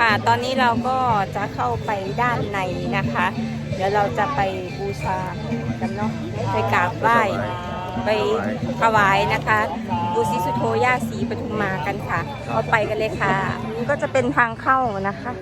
ค่ะตอนนี้เราก็จะเข้าไปด้านในนะคะ เดี๋ยวเราจะไปบูชากันเนาะไปกราบไหว้ไปถวายนะคะบูชาสุโธย่าศรีปทุมมากันค่ะเข้าไปกันเลยค่ะนี่ก็จะเป็นทางเข้านะคะ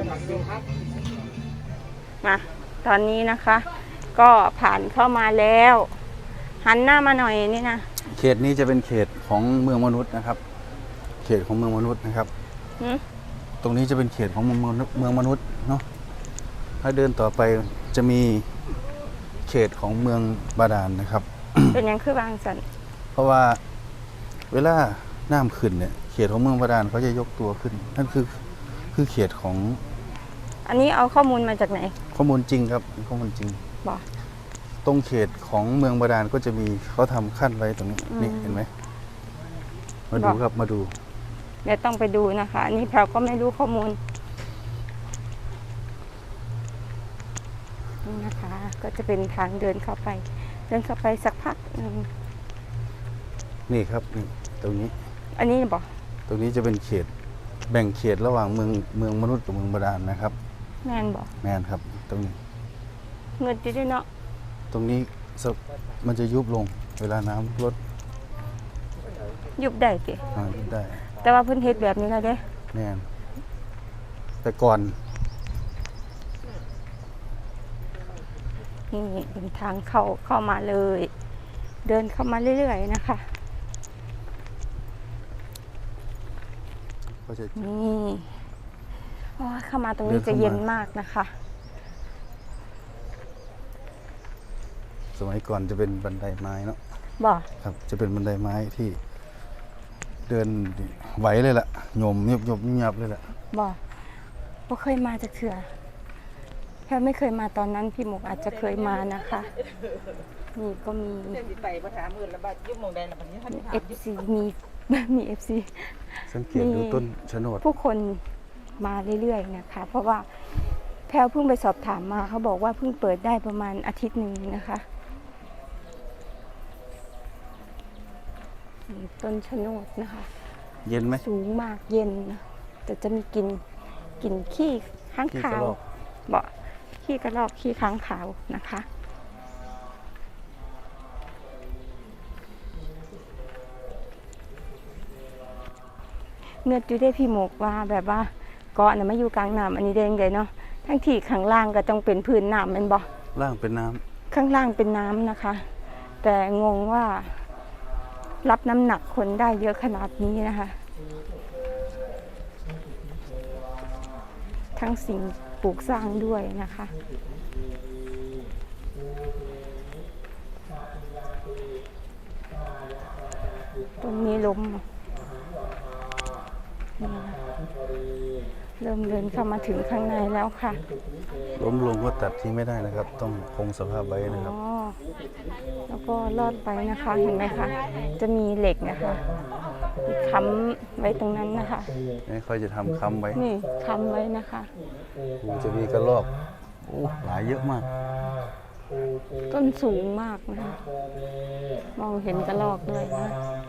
มาตอนนี้นะคะ ก็ผ่านเข้ามาแล้วหันหน้ามาหน่อยนี่นะเขตนี้จะเป็นเขตของเมืองมนุษย์นะครับเขตของเมืองมนุษย์นะครับตรงนี้จะเป็นเขตของเมืองมนุษย์เนาะถ้าเดินต่อไปจะมีเขตของเมืองบาดาลนะครับเป็นยังคือบางสันเพราะว่าเวลาน้ำขึ้นเนี่ยเขตของเมืองบาดาลเขาจะยกตัวขึ้นนั่นคือเขตของอันนี้เอาข้อมูลมาจากไหนข้อมูลจริงครับข้อมูลจริงบอกตรงเขตของเมืองบาดาลก็จะมีเขาทำขั้นไว้ตรงนี้นี่เห็นไหมมาดูครับมาดูเดี๋ยวต้องไปดูนะคะอันนี้เราก็ไม่รู้ข้อมูลนี่นะคะก็จะเป็นทางเดินเข้าไปสักพักนึงนี่ครับนี่ตรงนี้อันนี้บอกตรงนี้จะเป็นเขตแบ่งเขตระหว่างเมืองมนุษย์กับเมืองบาดาลนะครับแมนบอกแมนครับตรงนี้เงินด้วยเนาะตรงนี้มันจะยุบลงเวลาน้ำลดยุบได้สิยุบได้แต่ว่าพื้นเทศแบบนี้แล้วเด้แน่นแต่ก่อนนี่เป็นทางเข้ามาเลยเดินเข้ามาเรื่อยๆนะคะนี่เข้ามาตรงนี้จะเย็นมากนะคะสมัยก่อนจะเป็นบันไดไม้เนาะบ่ครับจะเป็นบันไดไม้ที่เดินไหวเลยล่ะโยมเงียบเลยล่ะบ่เคยมาจากเถื่อแค่ไม่เคยมาตอนนั้นพี่หมกอาจจะเคยมานะคะนี่ก็มีFC มี FC สังเกตดูต้นชะโนดผู้คนมาเรื่อยๆนะคะเพราะว่าแพลวเพิ่งไปสอบถามมาเขาบอกว่าเพิ่งเปิดได้ประมาณอาทิตย์หนึ่งนะคะต้นชะโนดนะคะเย็นไหมสูงมากเย็นแต่จะมีกลิ่นขี้ค้างคาวขี้กระรอกขี้ค้างคาวนะคะเนื้อจุได้พี่หมกว่าแบบว่าเกาะเนี่ยไม่อยู่กลางน้ำอันนี้เด้งเลยเนาะทั้งที่ข้างล่างก็ต้องเป็นพื้นน้ำมันล่างเป็นน้ำข้างล่างเป็นน้ำนะคะแต่งงว่ารับน้ำหนักคนได้เยอะขนาดนี้นะคะทั้งสิ่งปลูกสร้างด้วยนะคะตรงนี้ล้มเริ่มเดินเข้ามาถึงข้างในแล้วค่ะล้มลงก็ตัดทิ้งไม่ได้นะครับต้องคงสภาพไว้นะครับแล้วก็ลอดไปนะคะเห็นไหมคะจะมีเหล็กนะคะค้ำไว้ตรงนั้นนะคะนี่ค่อยจะทำค้ำไว้นี่ค้ำไว้นะคะจะมีกระรอกหลายเยอะมากต้นสูงมากนะคะมองเห็นกระรอกด้วยนะ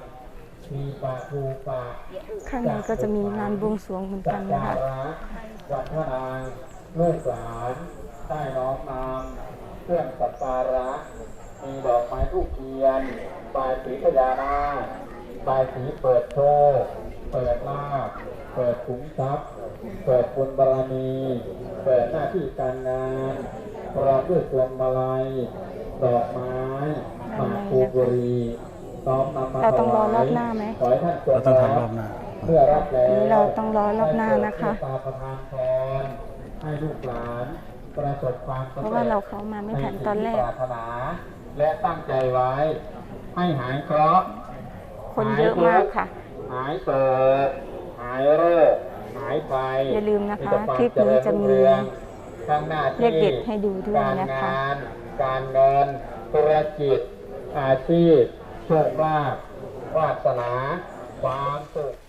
ข้างในก็จะมีงานบวงสรวงเหมือนกันนะคะวัดพระนางลูกหลานได้น้อมนำเครื่องสักการะมีดอกไม้ธูปเทียนบายสีพญานาคบายสีเปิดโชคเปิดลาภเปิดขุมทรัพย์เปิดบุญบารมีเปิดหน้าที่การงานพร้อมด้วยพวงมาลัยดอกไม้หมากพลูบุรีเราต้องรอรอบหน้าไหมเราต้องทำรอบหน้าเพื่อรับแล้วนี้เราต้องรอรอบหน้านะคะให้ลูกหลานประสบความสำเร็จเพราะว่าเราเข้ามาไม่ทันตอนแรกและตั้งใจไว้ให้หายเคราะห์คนเยอะมากค่ะหายเปิดหายโรคหายไปอย่าลืมนะคะคลิปนี้จะมีเลขเด็ดให้ดูด้วยนะคะการเงินธุรกิจอาชีพโชคลาภวาสนาความสุข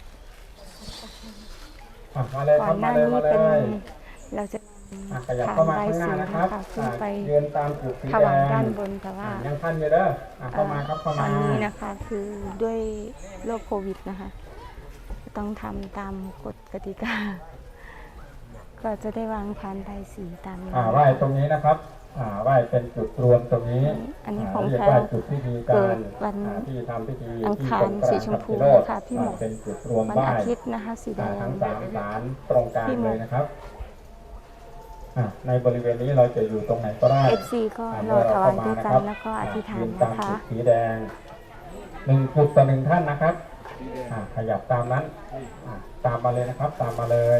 ก่อนหน้านี้เป็นเราจะผ่านใบสีนะคะขึ้นไปถวายด้านบนแต่ว่าตอนนี้นะคะคือด้วยโรคโควิดนะคะต้องทำตามกฎกติกาก็จะได้วางพานใบสีตามนี้ไหว้ตรงนี้นะครับไหว้เป็นจุดรวมตรงนี้อันนี้ของเรียกแพรว่าจุดพิธีเกิการดวันที่ทำพิธีอังที่คารตรงกลางสีชมพูกับค่ะพี่หมกเป็นจุดรวมวันไหว้อาทิตย์นะคะสีแดงทั้ง3ศาลตรงกลางพี่หมกเลยนะครับในบริเวณนี้เราจะอยู่ตรงไหนก็ได้ FC ก็รอถวายด้วยกันแล้วก็อธิษฐานยืตามนะคะจุดสีแดง1 จุดต่อ 1 ท่านนะครับขยับตามนั้นตามมาเลยนะครับ ตามมาเลย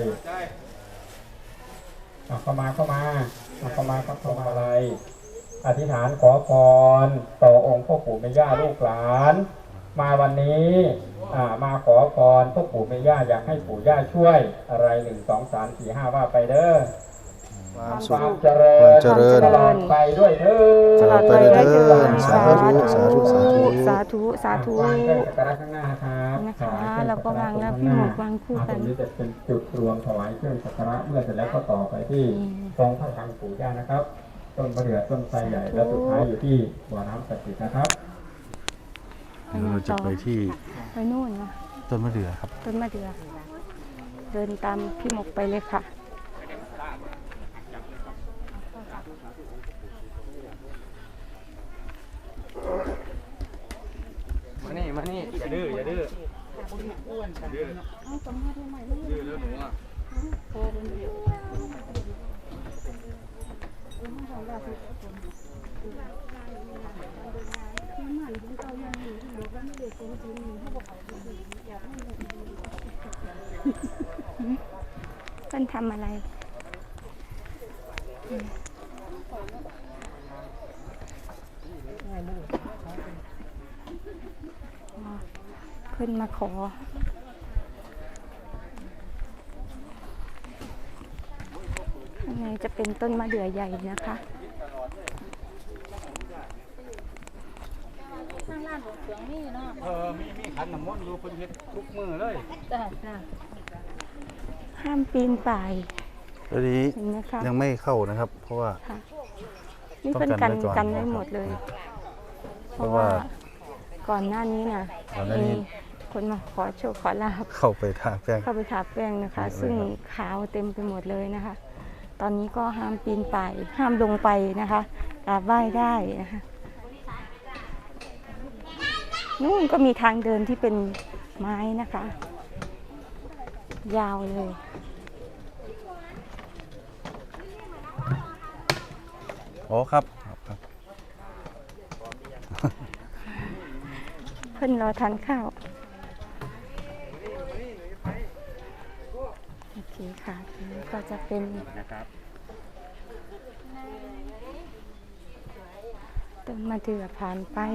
เข้ามาครับเข้ามาอะไรอธิษฐานขอพรต่อองค์พ่อปู่แม่ย่าลูกหลาน มาวันนี้มาขอพรพ่อปู่แม่ย่าอยากให้ปู่ย่าช่วยอะไร1 2 3 4 5ว่าไปเด้อความคสุขวามเจริญความเจริญตลอดไปด้วยเถิดตลอดไปด้วยเถิดสาธุสาธุสาธุสาธุสาธุวางเครื่องสักการะข้างหน้าครับนะคะถยเครื่องแล้วก็วางแล้วพี่หมกวางคู่กันตรงนี้จะเป็นจุดรวมถวายเครื่องสักการะเมื่อเสร็จแล้วก็ต่อไปที่ตรงพระธรรมปู่ย่านะครับ ต้นมะเดื่อต้นไทรใหญ่แล้วสุดท้ายอยู่ที่บ่อน้ำศักดิ์สิทธิ์นะครับเดี๋ยวเราจะไปที่ไปนู่นนะต้นมะเดื่อครับต้นมะเดื่อเดินตามพี่หมกไปเลยค่ะมานี่อย่าดื้ออย่าดื้อดื้อแล้วหนูอ่ะเพิ่นทำอะไรเพิ่นมาขอข้างในจะเป็นต้นมะเดื่อใหญ่นะคะมีขันน้ำมนต์อยู่คนเฮ็ดทุกมือเลยห้ามปีนป่ายตอนนี้เห็นไหมคะยังไม่เข้านะครับ เพราะว่าค่ะนี่ต้เป็อน งกักันนไว้ก่อนกันไว้หมดเลย เพราะว่าก่อนหน้านี้นะก่อนหน้านี้มีคนมาขอโชคขอลาบเข้าไปทาแป้งเข้าไปทาแป้งนะคะเยอะเลยซึ่งครับขาวเต็มไปหมดเลยนะคะ ตอนนี้ก็ห้ามปีนป่ายห้ามลงไปนะคะกราบไหว้ได้นะคะนู่นก็มีทางเดินที่เป็นไม้นะคะ ยาวเลยอ๋อครับครับเพิ่นรอทานข้าว โอเคค่ะทีนี้ก็จะเป็นต้นมะเดื่อผ่านไป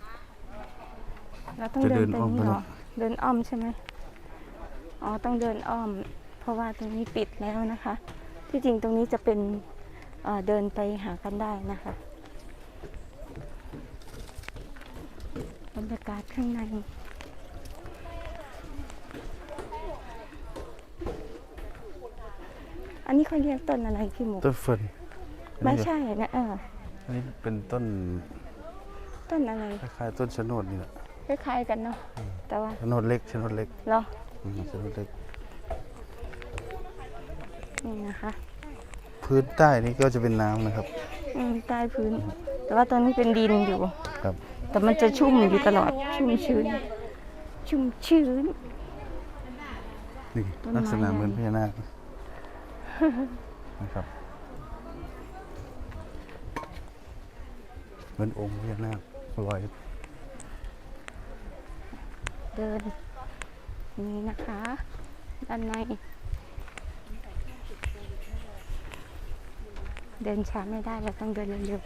เราต้องเดินไปนี่เหรอ เดินอ้อมใช่ไหมอ๋อ ต้องเดินอ้อม เพราะว่าตรงนี้ปิดแล้วนะคะ ที่จริงตรงนี้จะเป็นเดินไปหากันได้นะคะบรรยากาศข้างใน อันนี้เขาเรียกต้นอะไรพี่หมูต้นเฟิร์นไม่ใช่นะอันนี้เป็นต้นต้นอะไรคล้ายๆต้นชะโนดนี่แหละคล้ายๆกันเนาะแต่ว่าชะโนดเล็กชะโนดเล็กเหรอชะโนดเล็กนี่นะคะพื้นใต้นี่ก็จะเป็นน้ำนะครับใต้พื้น แต่ว่าตอนนี้เป็นดินอยู่ครับแต่มันจะชุ่มอยู่ตลอด ชุ่มชื้น ชุ่มชื้นนี่ต้นไม้ลักษณะเหมือนพญานาคนะครับเหมือนองค์พญานาคลอยเดินนี่นะคะ ด้านใน เดินช้าไม่ได้เราต้องเดินเร็ว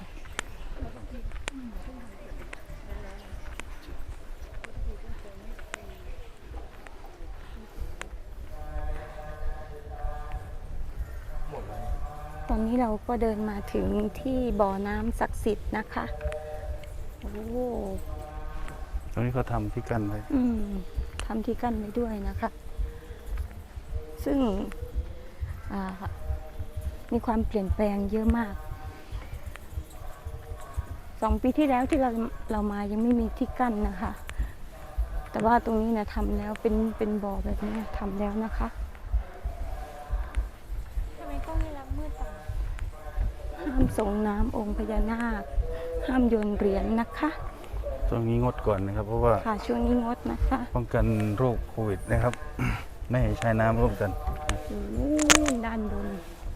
ๆตอนนี้เราก็เดินมาถึงที่บ่อน้ำศักดิ์สิทธิ์นะคะโอ้ตรงนี้เขาทำที่กั้นไว้ทำที่กั้นไว้ด้วยนะคะ ซึ่งมีความเปลี่ยนแปลงเยอะมาก 2 ปีที่แล้วที่เรามายังไม่มีที่กั้นนะคะ แต่ว่าตรงนี้นะทำแล้วเป็นบ่อแบบนี้ทำแล้วนะคะห้ามส่งน้ำองค์พญานาคห้ามโยนเหรียญนะคะช่วงนี้งดก่อนนะครับ เพราะว่าค่ะช่วงนี้งดนะคะป้องกันโรคโควิดนะครับ ไม่ให้ใช้น้ำร่วมกันโอ้ด้านบน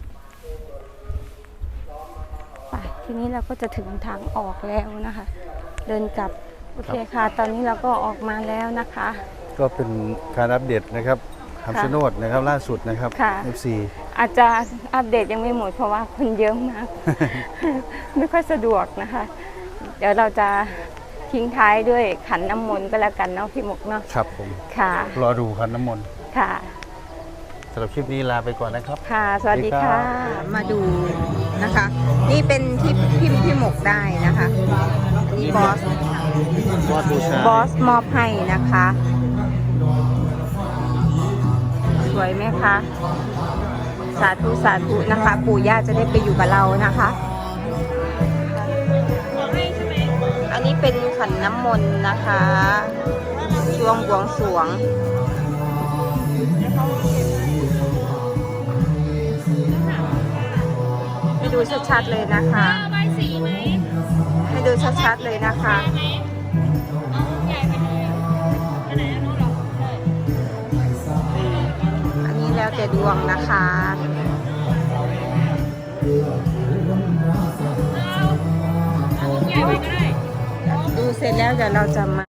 ไปทีนี้เราก็จะถึงทางออกแล้วนะคะ เดินกลับโอเคค่ะ ตอนนี้เราก็ออกมาแล้วนะคะก็เป็นการอัปเดตนะครับคำชะโนดนะครับล่าสุดนะครับค่ะ FC อาจจะอัปเดตยังไม่หมดเพราะว่าคนเยอะมาก ไม่ค่อยสะดวกนะคะ เดี๋ยวเราจะทิ้งท้ายด้วยขันน้ำมนต์ก็แล้วกันเนาะพี่หมกเนาะครับผมค่ะรอดูคันน้ำมนต์ค่ะสำหรับคลิปนี้ลาไปก่อนนะครับค่ะ สวัสดีสวัสดีครัค่ะบมาดูนะคะ นี่เป็นที่พิมพ์พี่หมกได้นะคะอันนี้บอสวาดบูชาบอสมอบให้นะคะ สวยไหมคะ สาธุสาธุนะคะ ปู่ย่าจะได้ไปอยู่กับเรานะคะ อันนี้เป็นขันน้ำมนต์นะคะ ช่วงบวงสรวง ให้ดูชัดๆเลยนะคะ ให้ดูชัดๆเลยนะคะ อันนี้แล้วแต่ดวงนะคะ ดูเสร็จแล้วเดี๋ยวเราจะมา